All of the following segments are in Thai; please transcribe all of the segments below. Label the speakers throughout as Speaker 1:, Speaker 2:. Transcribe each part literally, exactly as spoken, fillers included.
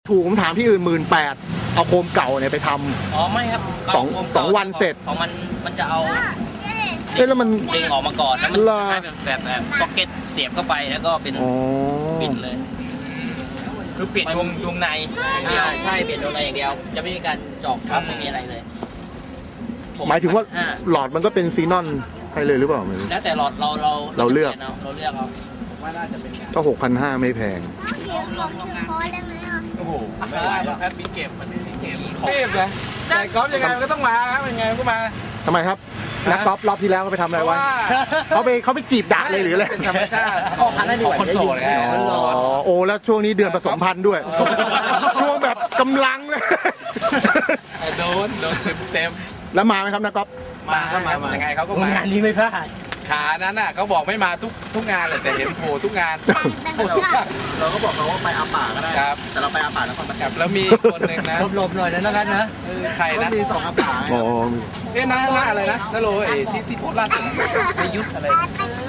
Speaker 1: ถูกผมถามที่อื่นหมื่นแปดเอาโคมเก่าเนี่ยไปทำ
Speaker 2: อ๋อไม่ครับ
Speaker 1: สองสองวันเสร็จ
Speaker 2: ของมันมันจะเอา
Speaker 1: เอ๊ะแล้วมัน
Speaker 2: ดึงออกมาก่อนแล้วมันใช้แบบแบบแบบซ็อกเก็ตเสียบเข้าไปแล้วก็เป็นปิดเลยคือเปลี่ยนดวงดวงในอ่าใช่เปลี่ยนดวงในอย่างเดียวจะไม่มีการเจาะครับไม่มีอะไรเลย
Speaker 1: หมายถึงว่าหลอดมันก็เป็นซีนอนให้เลยหรือเปล่า
Speaker 2: แล้วแต่หลอดเราเรา
Speaker 1: เราเลือก
Speaker 2: เราเลือกเอา
Speaker 1: ก็หกพันห้าไม่แพง
Speaker 3: โอ้โหไม่ได้แพทมีเก็บมันไม่มีเก็บเก็บนะแต่กอล์ฟยังไงมันก็ต้องมาครับยังไงมันก็มา
Speaker 1: ทำไมครับนักกอล์ฟรอบที่แล้วเขาไปทำอะไรวะเขาไปเขาไปจีบดักเลยหรืออะไร
Speaker 3: ธรรมชาติของคนโสดไง
Speaker 1: โอ้แล้วช่วงนี้เดือนผสมพันธุ์ด้วยช่วงแบบกำลังเลย
Speaker 3: โดนโดนเต็มเต็ม
Speaker 1: แล้วมาไหมครับนักกอล์ฟ
Speaker 3: มาก็มายังไงเขาก็มาง
Speaker 2: านนี้ไม่พลาด
Speaker 3: ขานั้นน่ะเขาบอกไม่มาทุกทุกงานเลยแต่เห็นโผล่ทุกงาน
Speaker 4: เราก็บอกเขาว่าไปอาป่าก็ได้
Speaker 3: ครับ
Speaker 4: แต่เราไปอาป่าแล้วคนมาจับ
Speaker 3: แล้วมีคนหนึ่งนะ
Speaker 2: หลบๆหน่อยนะนักนะ
Speaker 3: ใครนะ
Speaker 4: มีสองอาป่า
Speaker 1: อ๋อ
Speaker 3: เอ๊ะน้าน้าอะไรนะน้าโรเอที่ที่โพสต์ล่าสุดในยุทธอะไร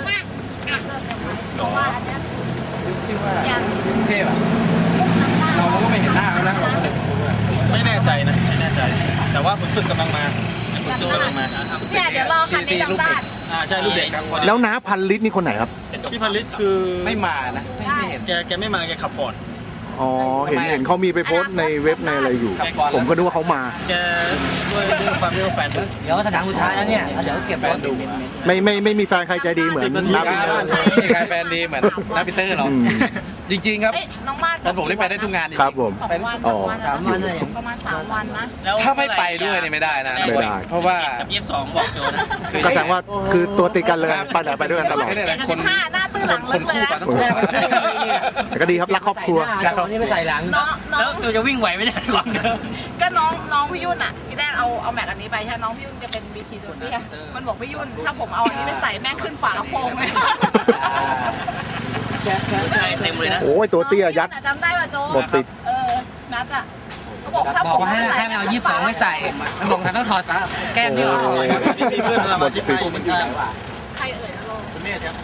Speaker 3: หรอที่ว่ากรุงเทพอ่ะเราก็ไม่เห็นหน้าเขานะ
Speaker 4: ไม่แน่ใจนะไม่แน่ใจแต่ว่าคุณสึกกำลังมาคุณสึกกำลังมา
Speaker 5: เนี่ยเดี๋ยวรอคันนี้ดังบ้าน
Speaker 4: อ่าใช่ลูกเด็กครับ
Speaker 1: แล้วน้าพันลิตรนี่คนไหนครับ
Speaker 4: พี่พันลิตรคือ
Speaker 3: ไม่มานะไม่เห็น
Speaker 4: แกแกไม่มาแกขับฟอร์ด
Speaker 1: อ๋อเห็นเห็นเขามีไปโพสต์ในเว็บในอะไรอยู่ผมก็นึกว่าเขามา
Speaker 4: แกด้วยเรื่องความที่ว่าแฟน
Speaker 2: เดี๋ยวสถานสุดท้ายแล้วเนี่ยเดี๋ยวเก็บรถดู
Speaker 1: ไม่ไม่ไม่มีแฟนใครใจดีเหมือนน้าปีเตอร์
Speaker 3: ไม่มีใครแฟนดีเหมือนน้าปีเตอร์หรอกจริงๆครับ
Speaker 5: น้องมาด
Speaker 3: แต่ผมได้ไปได้ทุกงาน
Speaker 1: ครับผม
Speaker 5: สองวันสามวันเลยประมาณสามวันนะ
Speaker 3: ถ้าไม่ไปด้วยเนี่ยไม่ได้นะ
Speaker 1: ไม่ได้
Speaker 3: เพราะว่า
Speaker 2: กับยี่สิบสองบอกโจนะ
Speaker 1: ก็แสดงว่าคือตัวติดกันเลยไปไหนไปด้วยกันตลอด
Speaker 3: คน
Speaker 5: หน้าตื้อหลัง
Speaker 3: คนคู่กันต้อง
Speaker 1: แต่ก็ดีครับรักครอบครัว
Speaker 2: ตอนนี้ไปใส่หลังแล้วโจจะวิ่งไหวไหมเนี่ยก่อน
Speaker 5: ก็น้องน้องพี่ยุ่นอ่ะที่แรกเอาเอาแม็กอันนี้ไปใช่น้องพี่ยุ่นจะเป็นบีทีตัวนี้มันบอกพี่ยุ่นถ้าผมเอาอันนี้ไปใส่แม่งขึ้นฝากระโปรงเลย
Speaker 2: เต็มเลยนะ
Speaker 1: โอ้ยตัวเตี้ยยัด
Speaker 5: จำได้ป่ะโจ
Speaker 1: หมดติด
Speaker 5: เออนัดอ่ะเขาบอกถ้าผม
Speaker 2: ให้ให้เอายี่สิบสองไม่ใส่มันบอกท่านต้องถอดแก้มนี่ออกเลยครับ
Speaker 4: ที่มีเพื่อนมาชิปไปเหมือนกัน
Speaker 5: ใครเอ่ยนะโล
Speaker 4: คุณเมธครับ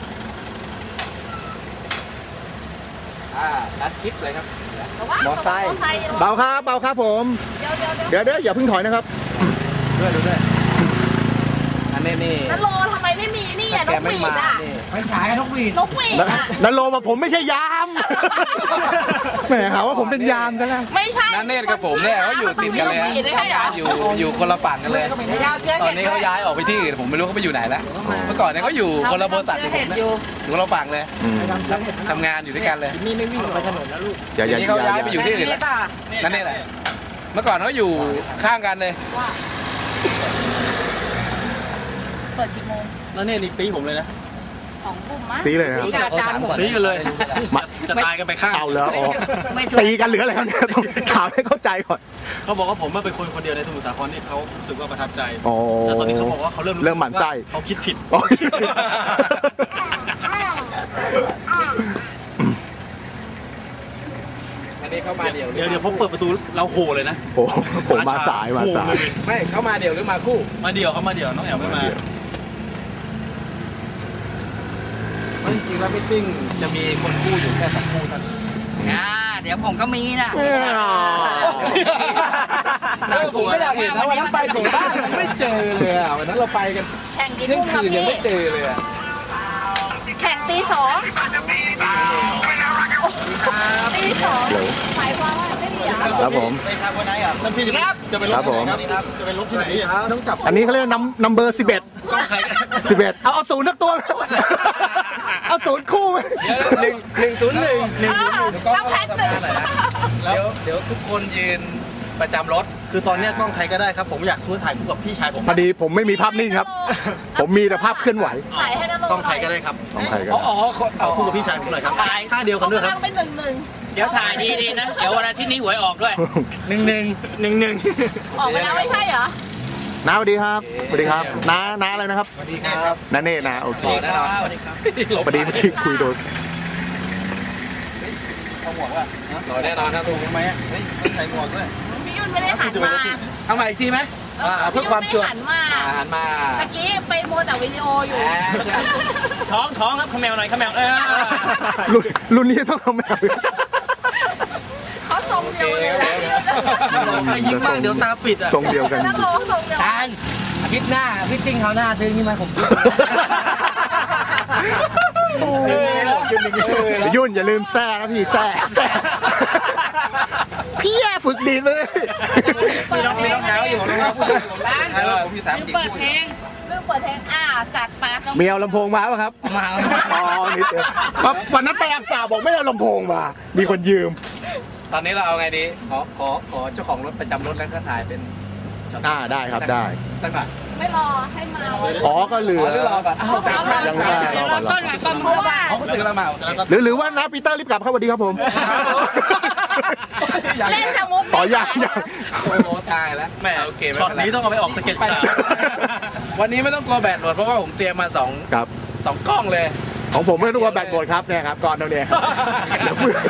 Speaker 3: อ่านัดคลิปเลยครับ
Speaker 5: มอไซค์
Speaker 1: เบาครับเบาครับผมเดี๋ยวเดี๋ยวอย่าเพิ่งถอยนะครับ
Speaker 3: ด้วยดูด้วยอันนี้นี่
Speaker 5: นัทโลทำไมไม่มีนี่อ่ะนกหวีดอ่ะ
Speaker 2: ไม่ฉายนกหวีด
Speaker 5: นกหวีดอ่ะ
Speaker 1: นัทโลมาผมไม่ใช่ยามแหมหาว่าผมเป็นยามกันแล้ว
Speaker 5: ไม่ใช่
Speaker 3: นัทเนตรกับผมเนี่ยเขาอยู่ติดกันเลยอยู่อยู่คนละฝั่งกันเลยตอนนี้เขาย้ายออกไปที่อื่นผมไม่รู้เขาไปอยู่ไหนแล้วเมื่อก่อนเนี่ยเขาอยู่คนละบริษัทอยู่ผมนะอยู่คนละฝั่งเลยทำงานอยู่ด้วยกันเลย
Speaker 2: นี่ไม่วิ่งไปถนนแล้วลูก
Speaker 1: เดี๋ยว
Speaker 3: นี้เขาย้ายไปอยู่ที่อื่นแล้วนั่นนี่แหละเมื่อก่อนเขาอยู่ข้างกันเลย
Speaker 5: เปิดกี่โมง
Speaker 4: แล้วเนี่ยนี่ซีผมเลยนะ
Speaker 5: สองทุ่มมั้ย
Speaker 1: ซีเลยนะ
Speaker 4: ซีกันเลยจะตายกันไปข้าง
Speaker 1: เอาแล้วตีกันหรืออะไรครับเนี่ยต้องถามให้เข้าใจก่อน
Speaker 4: เขาบอกว่าผมเป็นคนคนเดียวในสมุทรสาครที่เขารู้สึกว่าประทับใจแต่ตอนนี้เขาบอกว่าเขาเริ่ม
Speaker 1: เริ่มหมั่นไส้
Speaker 4: เขาคิดผิด
Speaker 3: อันนี้เข้ามาเดี่ยว
Speaker 4: เดี๋ยวเดี๋ยวผมเปิดประตูเราโหเลยนะ
Speaker 1: โอ้ผมมาสายมาสาย
Speaker 3: ไม่เข้ามาเดี่ยวหรือมาคู่
Speaker 4: มาเดี่ยวเขามาเดี่ยวน้องแอ๋วไม่มา
Speaker 3: จริงๆแล้วมิทติ้งจะมีคนคู่อยู่แค่สองคู่เท่านั้น
Speaker 2: อ่าเดี๋ยวผมก็มีนะ
Speaker 3: ผมก็อยากเห็นนะวันนั้นไปถึงบ้านไม่เจอเลยอ่ะวันนั้นเราไปกัน
Speaker 5: แข่งกี่ทุ่มครับพี่
Speaker 3: ยังไม่เจอเลยอ่ะ
Speaker 5: แข่งตีสองตีสองหมายความว่าไม่มีอ่ะ
Speaker 1: ครับผม
Speaker 4: ไปครับวันไหนอ่ะนั่นพี่จะไปลบ
Speaker 1: ครับผม
Speaker 4: จะไปลบที่ไหนต้องจับ
Speaker 1: อันนี้เขาเรียกนัมนัมเบอร์สิบเอ็ดสิบเอ็ดเอาเอาศูนย์นักตัวเอาศูนย์คู่ไหม
Speaker 3: หนึ่งหนึ่งศูนย์หนึ่งหนึ่งศูนย์หนึ่ง
Speaker 5: ต้องแพ็คหนึ่ง
Speaker 3: เดี๋ยวเดี๋ยวทุกคนยืนประจำรถ
Speaker 4: คือตอนนี้ต้องใครก็ได้ครับผมอยากช่วยถ่ายคู่กับพี่ชายผม
Speaker 1: พอดีผมไม่มีภาพนิ่งครับผมมีแต่ภาพเคลื่อนไหว
Speaker 5: ถ่ายให้ได้
Speaker 4: ต้องใครก็ได้ครับ
Speaker 1: ต้องใครก็
Speaker 3: อ๋อ
Speaker 4: เอาคู่กับพี่ชายผมหน่อยครับท่าเดียวกันด้วยครับ
Speaker 5: เป็นหนึ่งหนึ่ง
Speaker 2: เดี๋ยวถ่ายดีๆนะเดี๋ยววันอาทิตย์นี้หวยออกด้วยหนึ่งหนึ่งหนึ่งหนึ่ง
Speaker 5: ออกไปแล้วไม่ใช่เหรอ
Speaker 1: น้าสวัสดีครับสวัสดีครับน้าน้าอะไรนะครับ
Speaker 3: สวัสดีครับ
Speaker 1: น้าเน่นะโอเค
Speaker 2: สวัสดีครับ
Speaker 1: พอดีเมื่อกี้คุยโดน
Speaker 4: เอาหมวกว่ะ
Speaker 3: ต่อแน่นอนนะถูก
Speaker 4: ไหมเฮ้ยใส่หมวกด้วย
Speaker 5: พี่ยุ่นไม่ได้หันมา
Speaker 3: เอาใหม่อีกทีไหมเพื่อความชัวร์
Speaker 5: หันมา
Speaker 3: หันมา
Speaker 5: เมื่อกี้ไปโมแต่วิดีโออยู่
Speaker 2: ท้องท้องครับขมแมวหน่อยขมแมวเออ
Speaker 1: รุ่นรุ่นนี้ต้องขมแมว
Speaker 5: เขาทรงเดียว
Speaker 4: ให้ยิ้มมากเดี๋ยวตาปิดอ่ะ
Speaker 1: ทรงเดียวกัน
Speaker 5: แล้วโลส่งเดียว
Speaker 2: ทานอาทิตย์หน้าพี่ติ้งเขาหน้าซื้อนี่มาผมซื้อ
Speaker 1: ยุ่นอย่าลืมแซ่นะพี่แซ่แซ่พี่แย่ฝึกดีเลย
Speaker 4: มีรองมีรองเท้าอยู่รองเท้าผู้หญิงใช่แล้วผมมีสามสี่
Speaker 5: เปิดเพลงเรื่องเปิดเพลงอ่าจัดไป
Speaker 1: เมียเอาลำโพงมาป่ะครับ
Speaker 2: มา
Speaker 1: อ๋อนิดเดียววันนั้นไปอักษาบอกไม่เอาลำโพงมา มีคนยืม
Speaker 3: ตอนนี้เราเอาไงดีขอขอขอเจ้าของรถประจำรถแล้วก็ถ่ายเป็นช็อต
Speaker 1: อ่าได้ครับได้
Speaker 3: สักหน่อย
Speaker 5: ไม่รอให้มา
Speaker 1: อ๋อก็เหลื
Speaker 3: อ๋
Speaker 1: อ
Speaker 3: อหรือรอก่อนอ้าวสักหน่อย
Speaker 1: ยังไม่ได้รอก่อนรอก่อน
Speaker 5: เพราะว่า
Speaker 3: เขาก็ซื้อแล้วมา
Speaker 1: หรือหรือว่านะปีเตอร์รีบกลับครับสวัสดีครับผม
Speaker 5: เล่นจะมุก
Speaker 1: ต่อยากยาก
Speaker 3: โอ้โหตายแล้ว
Speaker 4: แม่
Speaker 3: โอเคไม่
Speaker 4: ช็อต
Speaker 3: เป็นไร
Speaker 4: นี้ต้องเอาไปออกสเก็ตข่าว
Speaker 3: วันนี้ไม่ต้องกลัวแบตหมดเพราะว่าผมเตรียมมาสอง
Speaker 1: ครับ
Speaker 3: สองกล้องเลย
Speaker 1: ของผมไม่รู้ว่าแบตหมดครับเนี่ยครับก่อนเราเนี่ยเดี๋ยวเพื่อน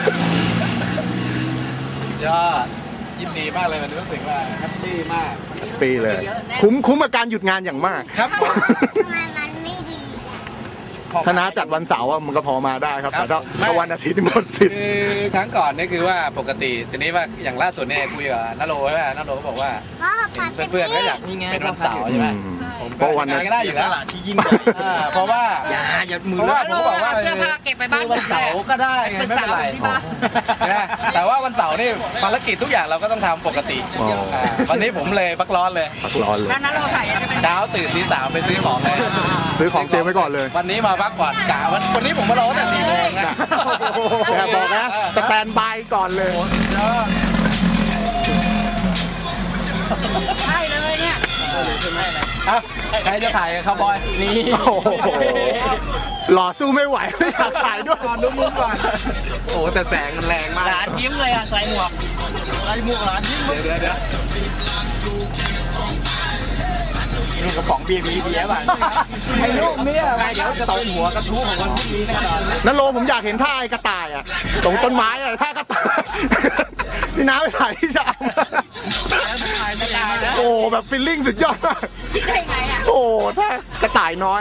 Speaker 3: ยอดยินดีมากเลยวันนี้รู้สึกว่าแฮปปี้มาก
Speaker 1: ปีเลย คุ้มคุ้มกับการหยุดงานอย่างมาก
Speaker 3: ครับ
Speaker 6: ทำไมมันไม่ดีอ่ะ
Speaker 1: ถ้าน้าจัดวันเสาร์อะมันก็พอมาได้ครับ แต่ถ้าถ้าวันอาทิตย์นี่หมดสิทธิ์
Speaker 3: คือครั้งก่อนนี่คือว่าปกติทีนี้ว่าอย่างล่าสุดเนี่ยคุยกับนาโรใช่ไหมนาโรก็บอกว่า
Speaker 6: พ่อพัด
Speaker 3: เพื่อนๆก็อยากเป็นวันเสาร์ใช่ไหม
Speaker 1: อืม
Speaker 3: ผม
Speaker 1: เพราะวันนั้น
Speaker 3: ก็ได้อยู่
Speaker 4: ส
Speaker 3: แล้ว
Speaker 4: ละที่ยิ่งใหญ่
Speaker 3: อ่าเพราะว่า
Speaker 2: อย่าอย่ามือ
Speaker 3: เพราะว่าผมบอกว่า
Speaker 2: เสื้อผ้าเก็บไปบ้าน
Speaker 3: คือวันเสาร์ก็ได้ไงไม่เป็นไรนะแต่ว่าวันเสาร์นี่ภารกิจทุกอย่างเราก็ต้องทำปกติ
Speaker 1: อ๋ออ่
Speaker 3: าวันนี้ผมเลยพักร้อนเลย
Speaker 1: พักร้อนเลย
Speaker 2: นั้นเราถ่ายจะเป็น
Speaker 3: เช้าตื่นที่สามไปซื้อของเลย
Speaker 1: ซื้อของเตรียมไว้ก่อนเลย
Speaker 3: วันนี้มาพักผ่อนกะวันวันนี้ผมมารอตั้งแต่สี่โมงนะ
Speaker 1: แต่บอกนะสแตนบายก่อนเลย
Speaker 3: โอ้โหสุดยอด
Speaker 2: ใช่เลยเนี่ย
Speaker 3: อ่ะใครจะถ่ายกับคาวบอยนี่
Speaker 1: โอ้โหหล่อสู้ไม่ไหวไม่อยากถ่ายด้วย
Speaker 3: ก่อนดูมุมก่อนโอ้โหแต่แสงมันแรงมาก
Speaker 2: หลานยิ้มเลยอ่ะใส่หมวกใส่หมวกหลานยิ้ม
Speaker 3: เดี๋ยวเดี๋ยวเดี๋ยวนี่กระป๋องเบียร์มีเบียร์ป่ะไอ้ลูกเนี่ยไงเดี๋ยวจะตบหัวกระทู้ของคนพวกนี้แน่นอน
Speaker 1: นั่นโลผมอยากเห็นท่าไอ้กระต่ายอ่ะตรงต้นไม้อ่ะท่ากระต่ายนี่น้าไปถ่ายที่ชามโอ้แบบฟิลลิ่งสุดยอดมาก
Speaker 5: คิดได้ไงอ่ะ
Speaker 1: โอ้ท่ากระต่ายน้อย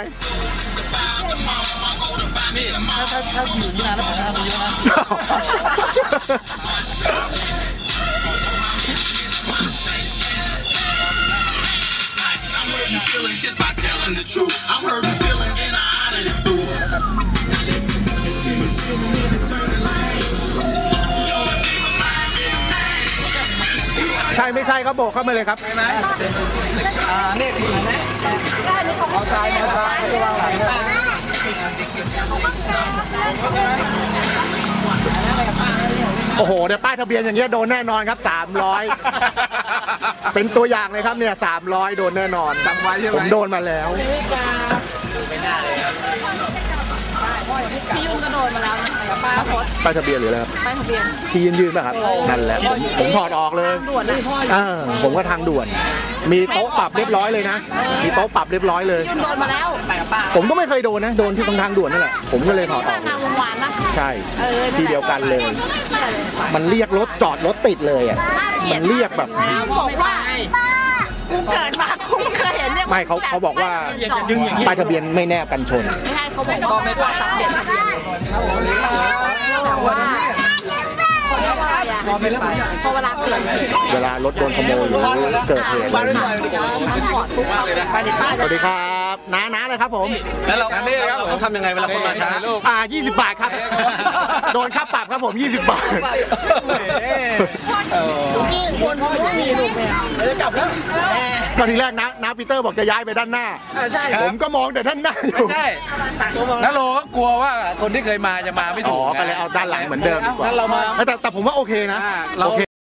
Speaker 4: ถ้าถ้าถ้าอยู่นี่นานแล้วผมจะทำเยอะนะ
Speaker 7: Just by telling the truth, I'm hurting feelings and I'm out of this booth. Now listen, listen, listen, turn the lane.
Speaker 1: ใช่ไม่ใช่ก็โบกเข้ามาเลยครับ
Speaker 3: อ่านี่ดีไหมเอาชายมาชายไม่วางหลังนะ
Speaker 1: โอ้โหเดี๋ยวป้ายทะเบียนอย่างเงี้ยโดนแน่นอนครับสามร้อยเป็นตัวอย่างเลยครับเนี่ยสามร้อยโดนแน่นอนจำไว้ใช่ไหมผมโดนมาแล้ว
Speaker 5: พี่ยุ่งก็โดนมาแล้วนะป้าโพส
Speaker 1: ป้ายทะเบียนหรืออะไรครับ
Speaker 5: ป้ายทะเบียน
Speaker 1: ที่ยืนยืนๆป่ะครับนั่นแหละผมผมถอดออกเลย
Speaker 5: ด่วนนะ
Speaker 1: อ่าผมก็ทางด่วน มีโต๊ะปรับเรียบร้อยเลยนะมีโต๊ะปรับเรียบร้อยเลย
Speaker 5: ยุ่งโดนมาแล้วไปกับป้า
Speaker 1: ผมก็ไม่เคยโดนนะโดนที่ตรงทางด่วนนั่นแหละผมก็เลยถอดออก
Speaker 5: ทางวงวานนะ
Speaker 1: ใช่ที่เดียวกันเลย มันเรียกรถจอดรถติดเลยอ่ะมันเรียกแบบ
Speaker 5: บอกว่ากูเกิดมากูไม่เคยเห็นเนี่ย
Speaker 1: ไม่เขาเขาบอกว่าป้ายทะเบียนไม่แนบกันชน
Speaker 5: ไม่ใช่เขาบอกว่าไม่กว่าตัดเปลี่ยนทะเบียนว่าพอเวลาเกิด
Speaker 1: เวลารถโดนขโมยหรือเกิดเหตุอะไร สวัสดีครับน้าน้าเลยครับผม
Speaker 4: แล้วเราเราทำยังไงเวลาคนมาช้า
Speaker 1: อ่ายี่สิบบาทครับ โดนค่าปรับครับผมยี่สิบบาท
Speaker 5: คนเขาไม่มีลูกแมว
Speaker 1: ก็ทีแรกนะน้าปีเตอร์บอกจะย้ายไปด้านหน้า
Speaker 3: ใช่
Speaker 1: ผมก็มองแต่ด้านหน้าอยู่
Speaker 3: ใช่นัโลก็กลัวว่าคนที่เคยมาจะมาไม่
Speaker 1: อ๋
Speaker 3: ถู
Speaker 1: อก
Speaker 3: ไง
Speaker 1: ก็เลยเอาด้านหลังเหมือนเดิมดีกว่า
Speaker 3: งั้นเรามา
Speaker 1: แต่แต่ผมว่าโอเคนะ
Speaker 3: อ่าเรา
Speaker 1: โอเค